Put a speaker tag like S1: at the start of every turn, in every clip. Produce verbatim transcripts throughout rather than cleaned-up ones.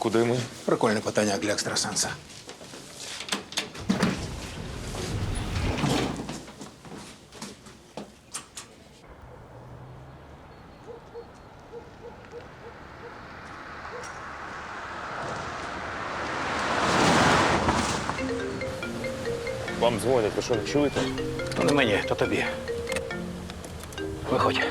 S1: куди ми?
S2: Прикольне питання для екстрасенса.
S1: Вам дзвонять, ви що, не чуєте?
S2: То не мені, то тобі. Виходь.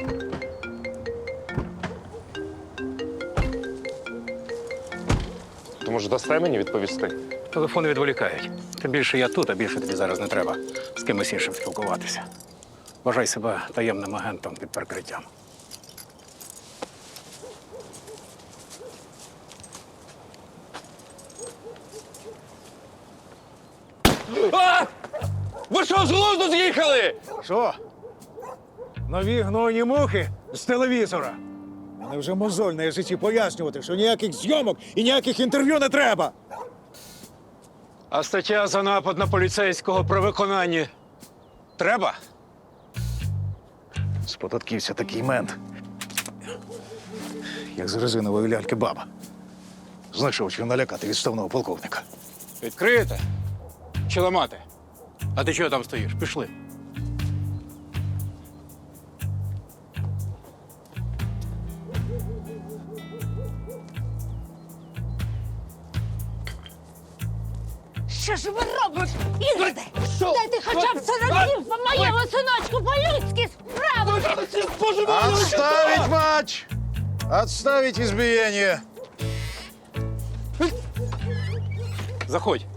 S1: То, може, дасте мені відповісти?
S2: Телефони відволікають. Тим більше я тут, а більше тобі зараз не треба з кимось іншим спілкуватися. Вважай себе таємним агентом під прикриттям.
S1: А! Ви що, з глузду з'їхали?
S3: Що? Нові гнойні мухи з телевізора. Мене вже мозоль на язиці пояснювати, що ніяких зйомок і ніяких інтерв'ю не треба.
S2: А стаття за напад на поліцейського при виконанні треба?
S3: З податківця такий мент. Як з резинової ляльки баба. Знайшов, чим налякати відставного полковника.
S2: Відкриєте? Чи ламати? А ти чого там стоїш? Пішли.
S4: Що ж ви робите, Ігорде? Дайте хоча б сороків по моєму синочку по-людськи справи!
S3: Отставить матч! Отставить избиение!
S2: Заходь.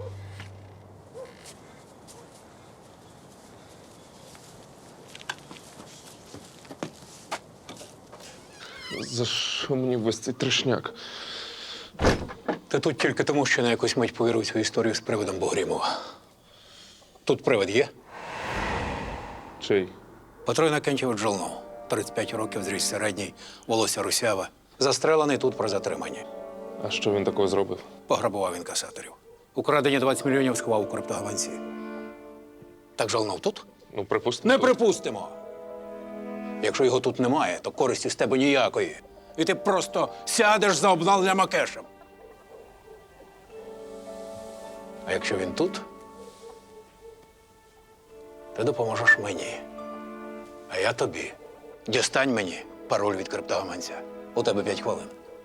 S1: За що мені весь цей трешняк?
S2: Ти тут тільки тому, що на якусь мить повірив цю історію з привидом Богрімова. Тут привид є?
S1: Чий?
S2: Петро Іннокентійович Жолнов. тридцять п'ять років, зріст середній, волосся русяве. Застрелений тут про затримання.
S1: А що він такого зробив?
S2: Пограбував інкасаторів. Украдені двадцять мільйонів сховав у криптогаванці. Так Жолнов тут?
S1: Ну, припустимо.
S2: Не припустимо. Якщо його тут немає, то користі з тебе ніякої. І ти просто сядеш за обналенням Акешем. А якщо він тут, ти допоможеш мені. А я тобі. Дістань мені пароль від криптогаманця. У тебе п'ять хвилин.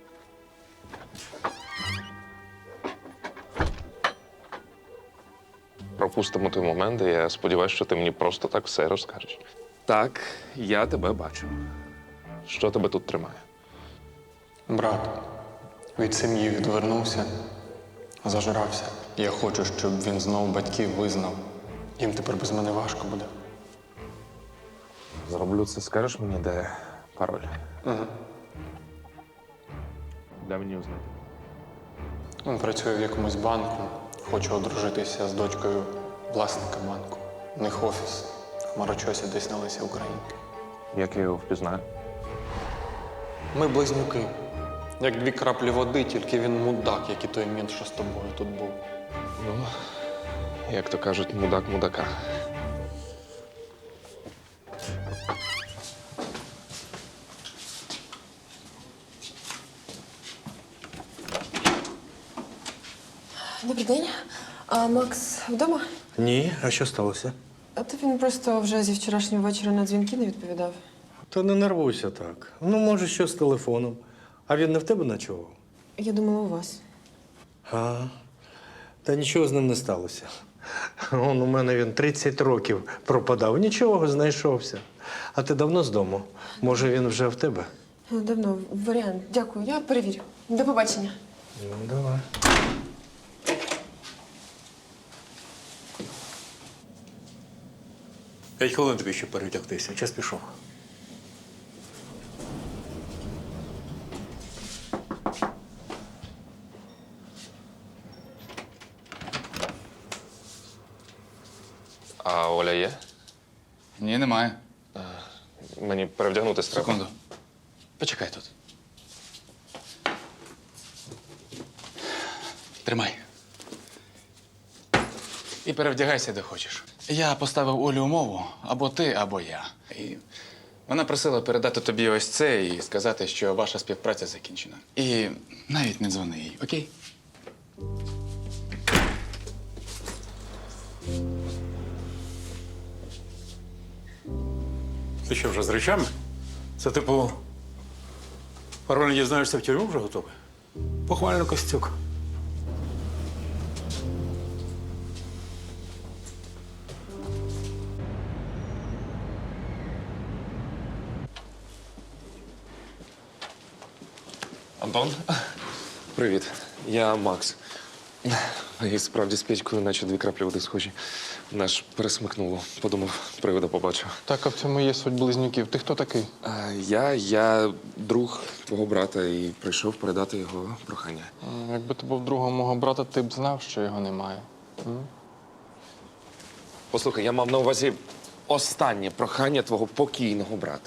S1: Пропустимо той момент, і я сподіваюся, що ти мені просто так все розкажеш. Так, я тебе бачу. Що тебе тут тримає?
S5: Брат від сім'ї відвернувся, зажрався. Я хочу, щоб він знову батьків визнав. Їм тепер без мене важко буде.
S1: Зроблю це, скажеш мені, де пароль?
S5: Угу.
S1: Дай мені узнати.
S5: Він працює в якомусь банку, хоче одружитися з дочкою власника банку. У них офіс. В Хмарочосі десь на Лесі Українки.
S1: Як я його впізнаю?
S5: Ми близнюки. Як дві краплі води, тільки він мудак, як і той мент, що з тобою тут був.
S1: Ну, як то кажуть, мудак мудака.
S6: Добрий день. А Макс вдома?
S7: Ні, а що сталося?
S6: А то він просто вже зі вчорашнього вечора на дзвінки не відповідав.
S7: Та не нервуйся так. Ну, може, що з телефоном. А він не в тебе ночував?
S6: Я думала, у вас.
S7: А, та нічого з ним не сталося. Он у мене він тридцять років пропадав, нічого, знайшовся. А ти давно з дому? Може, він вже в тебе?
S6: Давно. Варіант. Дякую. Я перевірю. До побачення.
S7: Ну, давай.
S2: П'ять хвилин тобі ще перевдягтися. Час пішов.
S1: А Оля є?
S8: Ні, немає.
S1: Мені перевдягнутися треба.
S8: Секунду. Почекай тут. Тримай. І перевдягайся, де хочеш. Я поставив Олі умову або ти, або я. І Вона просила передати тобі ось це і сказати, що ваша співпраця закінчена. І навіть не дзвони їй, окей?
S2: Ти що, вже з речами? Це типу. Пароль дізнаєшся в тюрму вже готовий? Похвально, Костюк.
S1: Антон? Привіт, я Макс. І справді з Петькою, наче дві краплі води схожі. Наш пересмикнуло. Подумав, привида побачив.
S5: Так, а в цьому є суть близнюків. Ти хто такий?
S1: А, я, я друг твого брата і прийшов передати його прохання.
S5: М, Якби ти був другом мого брата, ти б знав, що його немає.
S1: Послухай, я мав на увазі останнє прохання твого покійного брата.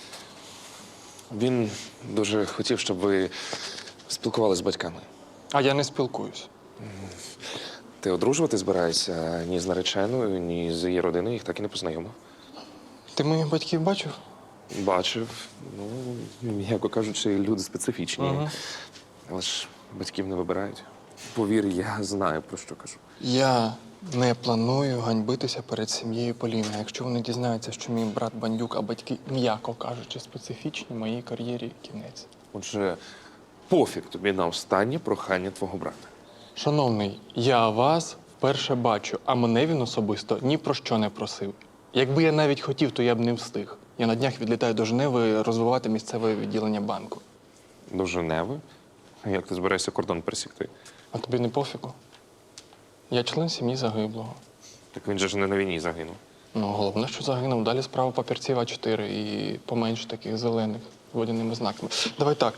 S1: Він дуже хотів, щоб ви спілкувалися з батьками.
S5: А я не спілкуюсь.
S1: Ти одружувати збираєшся ні з нареченою, ні з її родиною, їх так і не познайомив.
S5: Ти моїх батьків бачив?
S1: Бачив. Ну, м'яко кажучи, люди специфічні.
S5: Ага.
S1: Але ж батьків не вибирають. Повір, я знаю, про що кажу.
S5: Я не планую ганьбитися перед сім'єю Поліни. Якщо вони дізнаються, що мій брат бандюк, а батьки, м'яко кажучи, специфічні, моїй кар'єрі кінець.
S1: Отже, пофіг тобі на останнє прохання твого брата.
S5: Шановний, я вас вперше бачу, а мене він особисто ні про що не просив. Якби я навіть хотів, то я б не встиг. Я на днях відлітаю до Женеви розвивати місцеве відділення банку.
S1: До Женеви? Як ти збираєшся кордон пересікти?
S5: А тобі не пофігу? Я член сім'ї загиблого.
S1: Так він же ж не на війні загинув.
S5: Ну, головне, що загинув. Далі справа папірців А чотири і поменше таких зелених з водяними знаками. Давай так.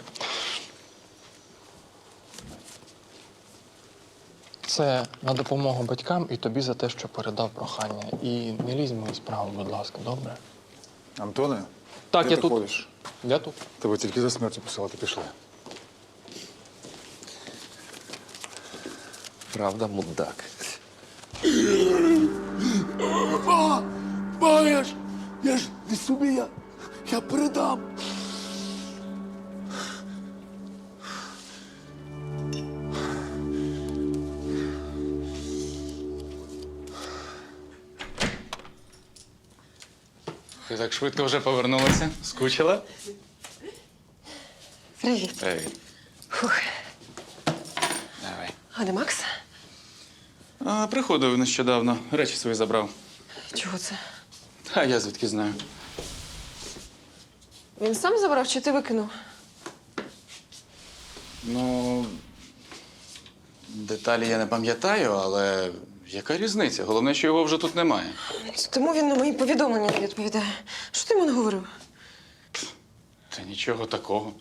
S5: Це на допомогу батькам і тобі за те, що передав прохання. І не лізь в мою справу, будь ласка, добре?
S3: Антоне,
S5: Так,
S3: де
S5: я
S3: ти
S5: тут.
S3: ходиш?
S5: Я тут.
S3: Тебе тільки за смертю посилати пішли.
S1: Правда, мудак.
S9: Маєш! Я ж не собі, я, я передам.
S8: Ти так швидко вже повернулася? Скучила?
S6: Привіт.
S8: Привіт.
S6: Фух.
S8: Давай.
S6: А де Макс?
S8: А, приходив нещодавно. Речі свої забрав.
S6: Чого це?
S8: А я звідки знаю.
S6: Він сам забрав чи ти викинув?
S8: Ну, деталі я не пам'ятаю, але яка різниця? Головне, що його вже тут немає.
S6: Тому він на мої повідомлення не відповідає. Що ти йому не говорив?
S8: Та нічого такого.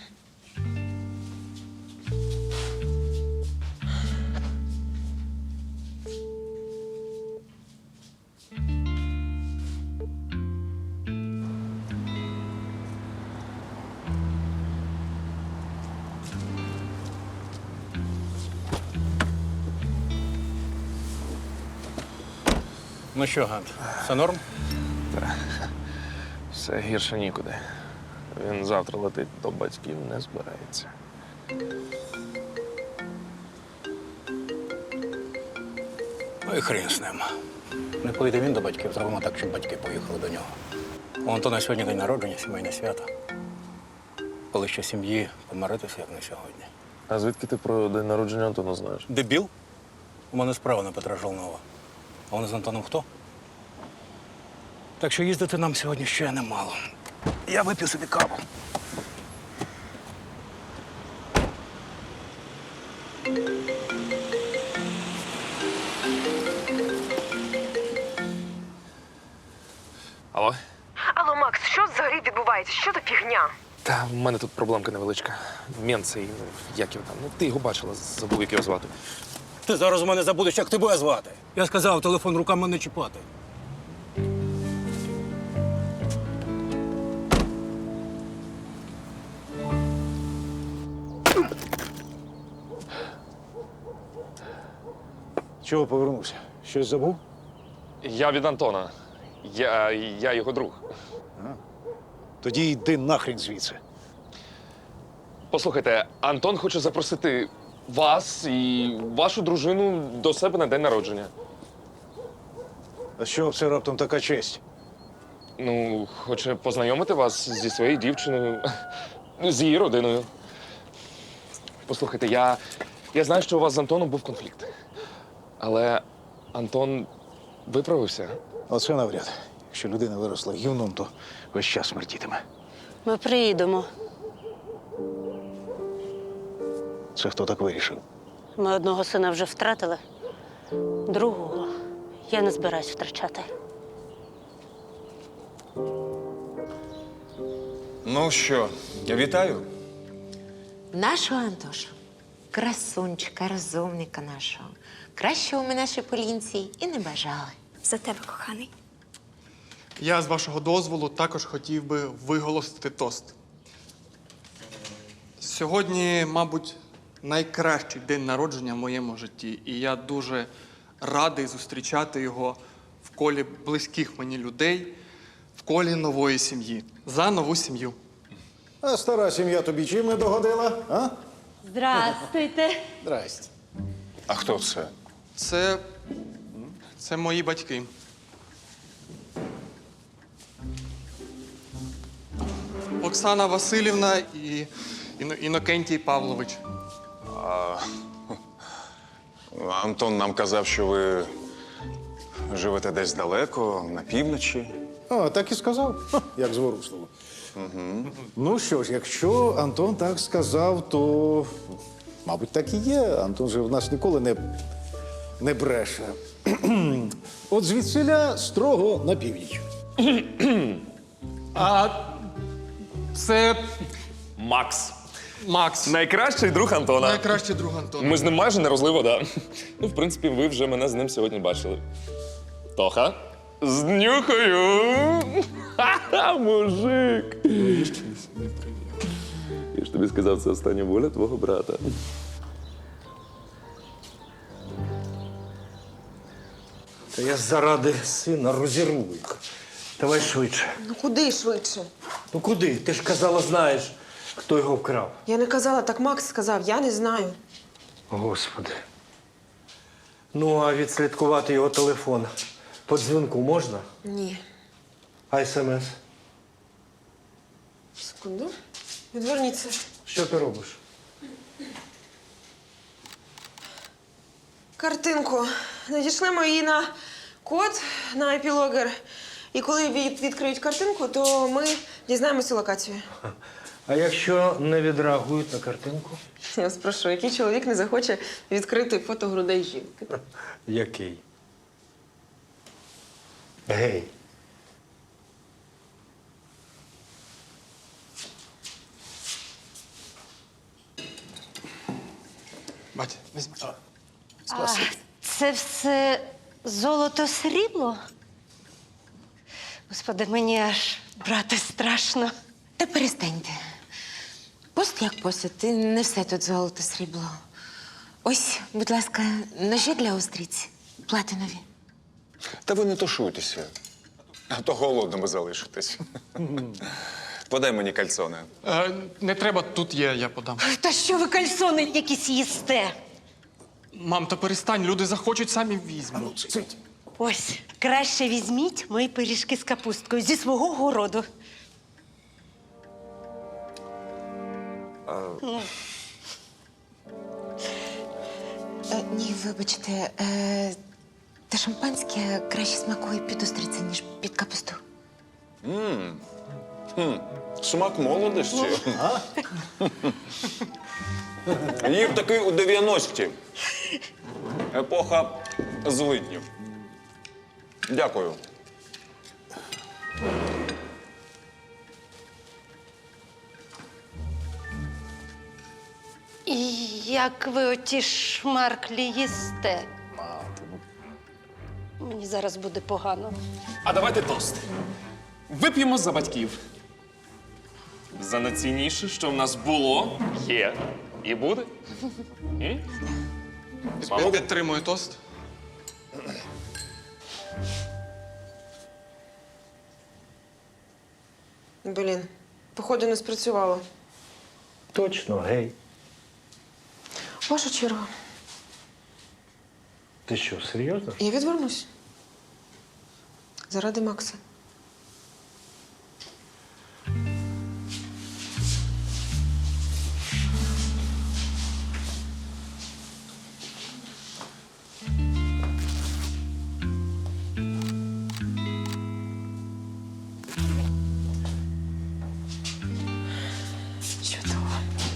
S2: Ну що, Гант, все норм?
S1: Все гірше нікуди. Він завтра летить до батьків, не збирається.
S2: Ну і хрін з ним. Не поїде він до батьків, зробимо так, щоб батьки поїхали до нього. У Антона сьогодні день народження, сімейне свято. Коли ще сім'ї помиритися, як не сьогодні.
S1: А звідки ти про день народження Антона знаєш?
S2: Дебіл? У мене справа на Петра Жолнова. А вони з Антоном хто? Так що їздити нам сьогодні ще немало. Я вип'ю собі каву.
S1: Алло?
S6: Алло, Макс, що взагалі відбувається? Що за фігня?
S1: Та в мене тут проблемка невеличка. Мент цей, ну, як його там. Ну, ти його бачила, забув, як його звати.
S2: Ти зараз у мене забудеш, як тебе звати. Я сказав, телефон руками не чіпати.
S3: Чого повернувся? Щось забув?
S1: Я від Антона. Я, я його друг.
S3: Тоді йди нахрін звідси.
S1: Послухайте, Антон хоче запросити вас і вашу дружину до себе на день народження.
S3: А що це раптом така честь?
S1: Ну, хоче познайомити вас зі своєю дівчиною, з її родиною. Послухайте, я, я знаю, що у вас з Антоном був конфлікт. Але Антон виправився.
S3: Оце навряд. Якщо людина виросла гівном, то весь час смертітиме.
S4: Ми приїдемо.
S3: Це хто так вирішив?
S4: Ми одного сина вже втратили, другого я не збираюсь втрачати.
S10: Ну що, вітаю.
S11: Нашого Антошу, красунчика, розумника нашого. Кращого ми нашій Полінці і не бажали.
S12: За тебе, коханий.
S5: Я, з вашого дозволу, також хотів би виголосити тост. Сьогодні, мабуть, найкращий день народження в моєму житті. І я дуже радий зустрічати його в колі близьких мені людей, в колі нової сім'ї. За нову сім'ю.
S3: А стара сім'я тобі чим не догодила, а?
S4: Здрастуйте.
S3: Здрасте.
S10: А хто це?
S5: Це. Це мої батьки. Оксана Васильівна і Іно- Інокентій Павлович.
S10: Антон нам казав, що ви живете десь далеко, на півночі.
S3: А, так і сказав. Ха, як зворушливо. Угу. Ну що ж, якщо Антон так сказав, то, мабуть, так і є. Антон же в нас ніколи не, не бреше. От звідсиля строго на північ.
S5: А це
S1: Макс.
S5: Макс.
S1: Найкращий друг Антона.
S5: Найкращий друг Антона.
S1: Ми з ним майже не розлий вода. Ну, в принципі, ви вже мене з ним сьогодні бачили. Тоха? З нюхою! Ха-ха, мужик! Я ж тобі сказав, це остання воля твого брата.
S7: Та я заради сина розірву їх. Давай швидше.
S6: Ну куди швидше?
S7: Ну куди? Ти ж казала, знаєш, хто його вкрав.
S6: Я не казала, так Макс сказав, я не знаю.
S7: Господи. Ну, а відслідкувати його телефон по дзвінку можна?
S6: Ні.
S7: А смс?
S6: Секунду. Відверніться.
S7: Що ти робиш?
S6: Картинку. Надішлемо її на код на епілогер. І коли від- відкриють картинку, то ми дізнаємося локацію.
S7: А якщо не відреагують на картинку?
S6: Я вас прошу, який чоловік не захоче відкрити фото грудей жінки?
S7: Який? Гей.
S5: Батя, візьми.
S4: А, це все золото-срібло? Господи, мені аж брати страшно.
S11: Та перестаньте. Пост як пост, і не все тут золото срібло. Ось, будь ласка, ножі для устриць. Платинові.
S10: Та ви не тушуйтеся, а то голодними залишитесь. Подай мені кальцони.
S5: Е, не треба, тут є, я подам.
S4: Та що ви кальсони якісь їсте?
S5: Мам, та перестань, люди захочуть, самі візьмуть.
S4: Ось, краще візьміть мої пиріжки з капусткою зі свого городу.
S11: Е, ні, вибачте, е, та шампанське краще смакує під устриця, ніж під капусту.
S10: Смак молодості. Їв такий у дев'яності. Епоха злиднів. Дякую.
S4: І як ви оті шмарклі їсте? Мені зараз буде погано.
S1: А давайте тост. Вип'ємо за батьків. За найцінніше, що в нас було, є і буде. М?
S5: Я підтримую тост.
S6: Блін, походу не спрацювало.
S7: Точно, гей.
S6: Ваша черга.
S7: Ти що, серйозно?
S6: Я відвернусь. Заради Макса. Чудово.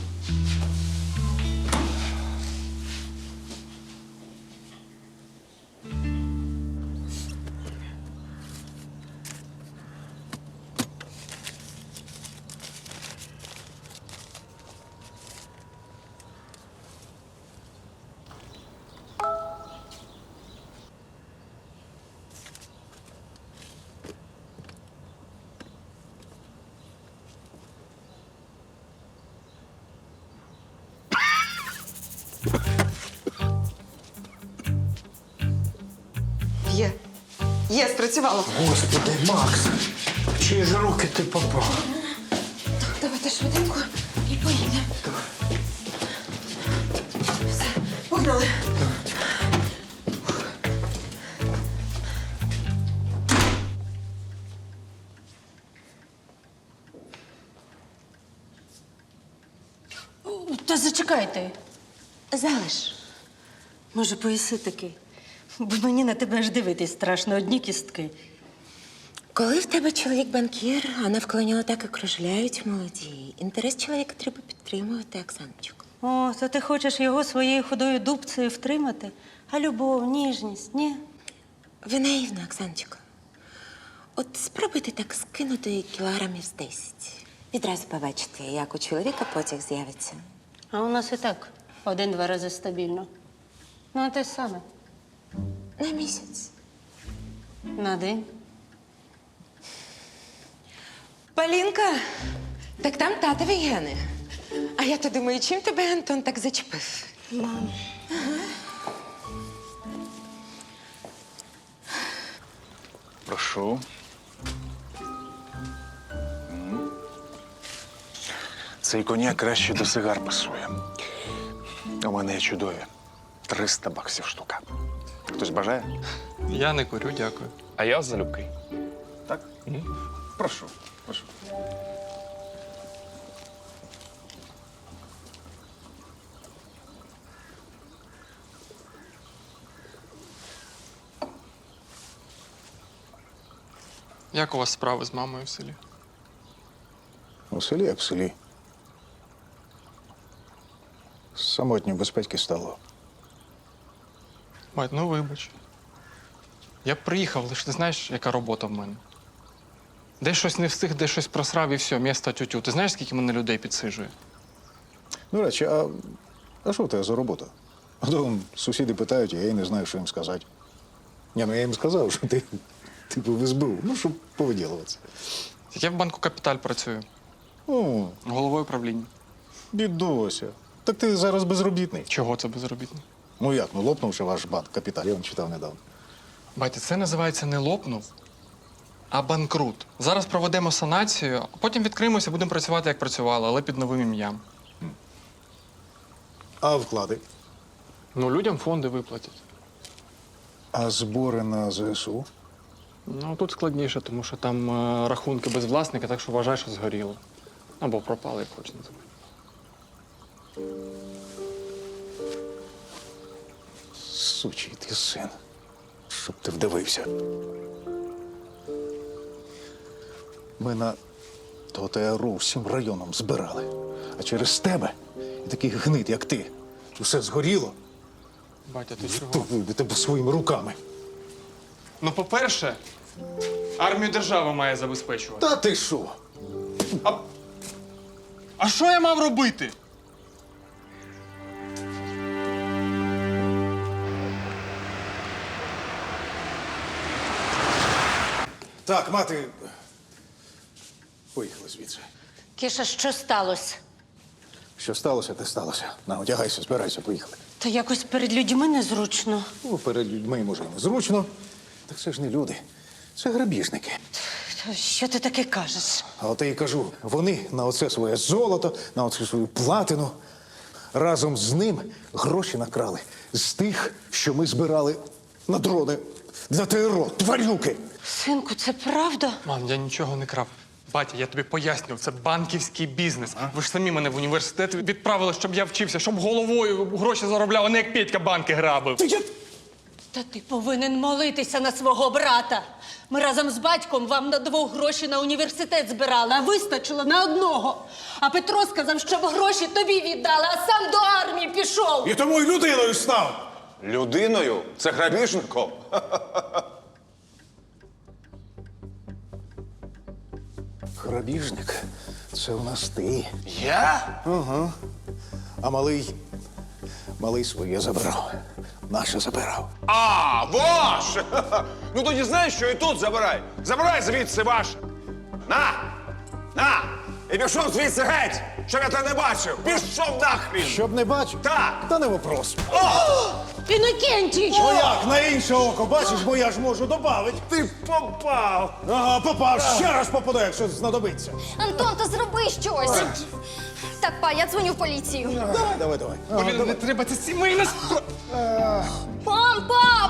S6: Є. Є, спрацювало.
S7: Господи, Макс, в чиї ж руки ти попав?
S6: Давайте швиденько і поїдемо. Все, погнали.
S4: Та зачекайте.
S11: Залиш.
S4: Може, поїси таки? Бо мені на тебе аж дивитись страшно, одні кістки.
S11: Коли в тебе чоловік банкір, а навколо нього так і кружляють молоді. Інтерес чоловіка треба підтримувати, Оксаночку.
S4: О, то ти хочеш його своєю худою дубцею втримати? А любов, ніжність, ні?
S11: Ви наївна, Оксаночко. От спробуйте так скинути кілограмів з десять. Відразу побачите, як у чоловіка потяг з'явиться.
S4: А у нас і так один-два рази стабільно. Ну, а те саме.
S11: На місяць.
S4: На день.
S11: Полінка, так там татові гени. А я то думаю, чим тебе Антон так зачепив?
S4: Мам.
S10: Прошу. М. Цей коньяк краще до сигар пасує. У мене є чудові. триста баксів штука. Хтось бажає?
S5: Я не курю, дякую.
S1: А я залюбки.
S10: Так? Прошу, прошу.
S5: Як у вас справи з мамою в селі?
S3: У селі, як в селі. Самотньо без батьки стало.
S5: Мать, ну вибач. Я б приїхав, лише ти знаєш, яка робота в мене. Де щось не встиг, де щось просрав і все, місто тютю. Ти знаєш, скільки мене людей підсиджує?
S3: До речі, а, а що в тебе за робота? А то вон сусіди питають, а я й не знаю, що їм сказати. Ні, ну я їм сказав, що ти типу в ес бе у, ну, щоб повиділуватися.
S5: Я в банку Капіталь працюю,
S3: О,
S5: головою правління.
S3: бідося. Так ти зараз безробітний.
S5: Чого це безробітний?
S3: Ну як, ну лопнувши ваш банк Капіталь, я вам читав недавно.
S5: Батя, це називається не лопнув, а банкрут. Зараз проведемо санацію, а потім відкриємося, будемо працювати, як працювали, але під новим ім'ям.
S3: А вклади?
S5: Ну, людям фонди виплатять.
S3: А збори на зе ес у?
S5: Ну, тут складніше, тому що там е, рахунки без власника, так що вважай, що згоріло. Або пропали, як хочеш називати.
S3: Сучий ти син. Щоб ти вдивився. Ми на ТОТРУ всім районом збирали. А через тебе і таких гнид, як ти, усе згоріло,
S5: Батя, ти
S3: то
S5: чого?
S3: ви тебе своїми руками.
S5: Ну, по-перше, армію держава має забезпечувати.
S3: Та ти що?
S5: А що я мав робити?
S3: Так, мати. Поїхали звідси.
S4: Кіша, що сталося?
S3: Що сталося, те сталося. На, одягайся, збирайся, поїхали.
S4: Та якось перед людьми незручно.
S3: Ну, перед людьми, може, і незручно. Так це ж не люди. Це грабіжники.
S4: Що ти таке кажеш?
S3: А от я й кажу, вони на оце своє золото, на оце свою платину. Разом з ним гроші накрали з тих, що ми збирали на дрони для ТРО, тварюки.
S4: Синку, це правда?
S5: Мам, я нічого не крав. Батя, я тобі пояснював, це банківський бізнес. Ви ж самі мене в університет відправили, щоб я вчився, щоб головою гроші заробляв, а не як Петька банки грабив.
S4: Та ти повинен молитися на свого брата. Ми разом з батьком вам на двох гроші на університет збирали, а вистачило на одного. А Петро сказав, щоб гроші тобі віддали, а сам до армії пішов.
S3: І тому й людиною став.
S10: Людиною? Це грабіжником?
S3: Грабіжник, це у нас ти.
S10: Я?
S3: А малий, малий своє забирав. Наше забирав.
S10: А, ваш! Ну тоді знаєш, що і тут забирай. Забирай звідси ваше. На! На! І пішов звідси геть, щоб я тебе не бачив. Пішов нахрін!
S3: Щоб не бачив?
S10: Так.
S3: Та не вопрос.
S4: Інокентій!
S3: О, як, на інше око, бачиш, бо я ж можу добавити.
S10: Ти попав!
S3: Ага, попав, ще раз попаду, якщо знадобиться.
S12: Антон, то зроби щось. Так, па, я дзвоню в поліцію.
S3: Давай, давай, давай. Ага,
S5: Блін,
S3: давай.
S5: не треба, це сімейна справа.
S12: Мам, пап!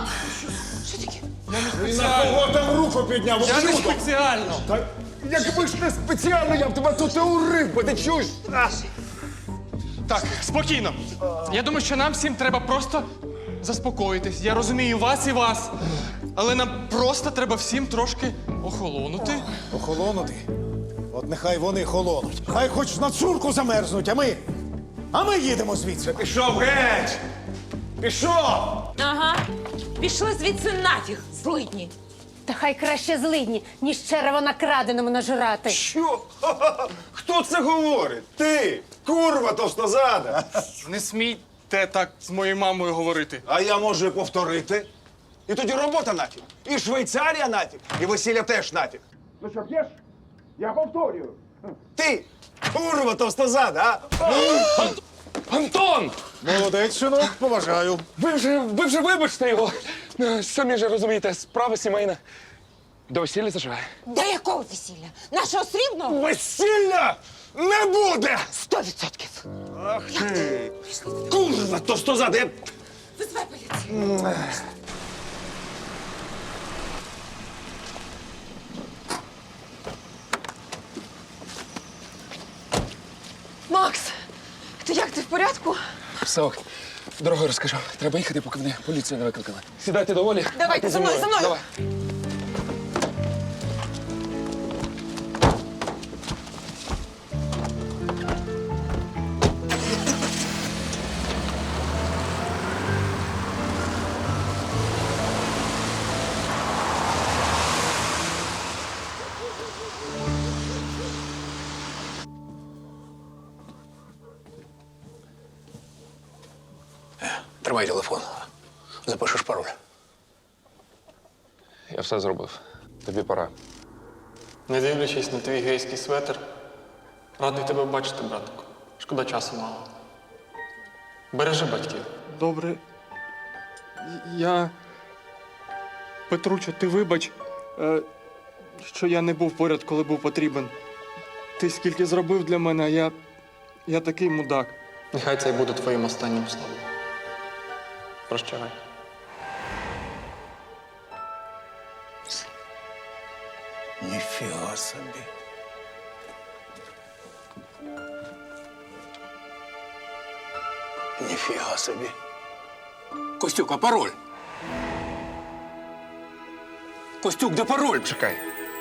S10: Ти на кого там руку підняв?
S5: Я не спеціально.
S10: Та якби ж не спеціально, я б тебе тут і урив, бо ти чуєш? А.
S5: Так, спокійно. Я думаю, що нам всім треба просто заспокоїтись. Я розумію вас і вас. Але нам просто треба всім трошки охолонути.
S3: Охолонути? От нехай вони холонуть. Хай хоч на цурку замерзнуть, а ми. А ми їдемо звідси.
S10: Пішов геть! Пішов!
S6: Ага. Пішли звідси нафіг, злидні.
S4: Та хай краще злидні, ніж черево на краденому нажирати.
S10: Що? Ха-ха-ха! Хто це говорить? Ти! Курва товстозада!
S5: Не смійте так з моєю мамою говорити.
S10: А я можу і повторити. І тоді робота нафіг. І Швейцарія нафіг. І весілля теж нафіг. Ну що, п'єш? Я повторюю. Ти! Курва товстозада, а?
S1: Антон!
S3: Молодець, синок, поважаю.
S1: Ви вже, ви вже вибачте його. Е, Самі ж розумієте, справа сімейна. До весілля заживе.
S11: До якого весілля? Нашого срібного?
S10: Весілля не буде!
S11: Сто відсотків.
S10: Ах ти! Курва товстозада! Я...
S11: Визвай поліцію.
S6: Макс, ти як, ти в порядку?
S1: Все ок. Дорогою розкажу. Треба їхати, поки мене поліція не викликала. Сідайте доволі.
S6: Давайте, за мною, за мною.
S1: Давай.
S2: Тримай телефон. Запишеш пароль.
S1: Я все зробив. Тобі пора.
S5: Не дивлячись на твій гейський светр, радий тебе бачити, братику. Шкода часу мало. Бережи батьків. Добре. Я. Петручо, ти вибач, е, що я не був поряд, коли був потрібен. Ти скільки зробив для мене, а я. я такий мудак. Нехай це й буде твоїм останнім словом. Прощавай.
S2: Ніфіга собі. Ніфіга собі. Костюк, а пароль? Костюк, де пароль?
S1: Чекай.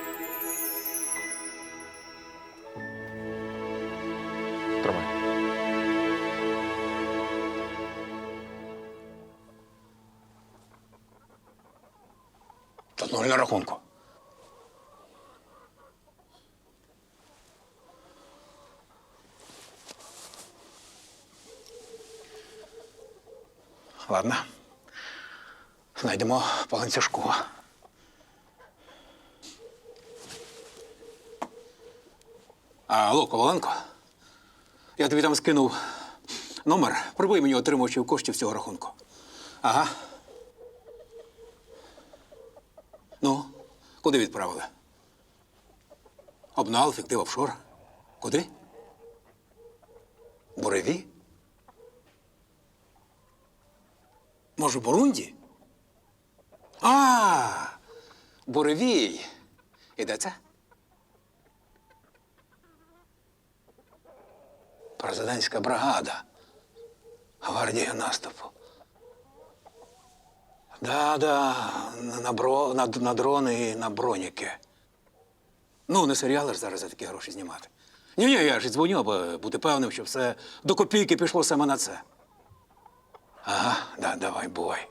S1: Тримай.
S2: Тут нуль на рахунку. Ладно. Знайдемо по ланцюжку. А, алло, Коваленко? Я тобі там скинув номер. Прибий мені отримувачів коштів цього рахунку. Ага. Ну, куди відправили? Обнал, фіктив, офшор. Куди? Буреві? Може, Бурунді? А, Буревій. І де це? Президентська бригада. Гвардія наступу. Да-да, на, бро, на, на дрони і на броніки. Ну, не серіали ж зараз за такі гроші знімати. Ні-ні, я ж дзвоню, аби бути певним, що все до копійки пішло саме на це. Ага, да, давай, бувай.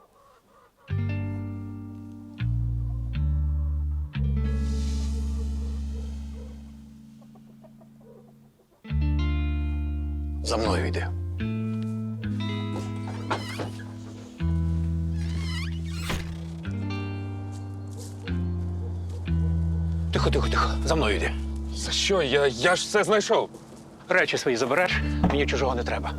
S2: За мною йди. Тихо, тихо, тихо. За мною йди.
S1: За що? Я, я ж все знайшов.
S2: Речі свої забереш, мені чужого не треба.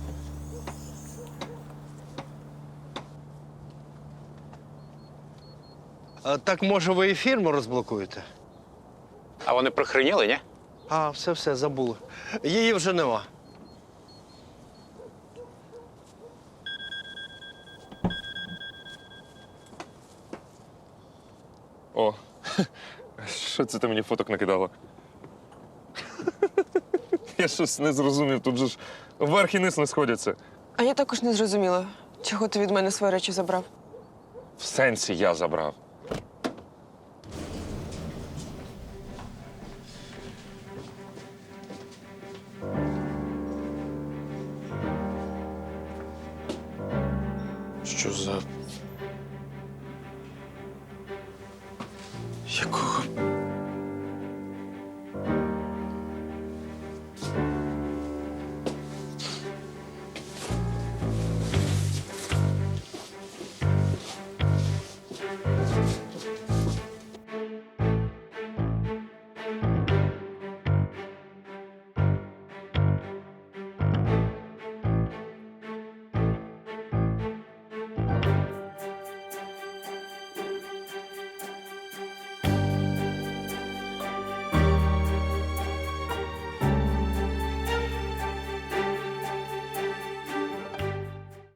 S7: А, так, може, ви і фірму розблокуєте?
S2: А вони прихреніли, ні?
S7: А, все, все, забули. Її вже нема.
S1: О, що це ти мені фоток накидала? Я щось не зрозумів, тут же ж верх і низ не сходяться.
S6: А я також не зрозуміла, чого ти від мене свої речі забрав.
S1: В сенсі я забрав. Що за... Якого...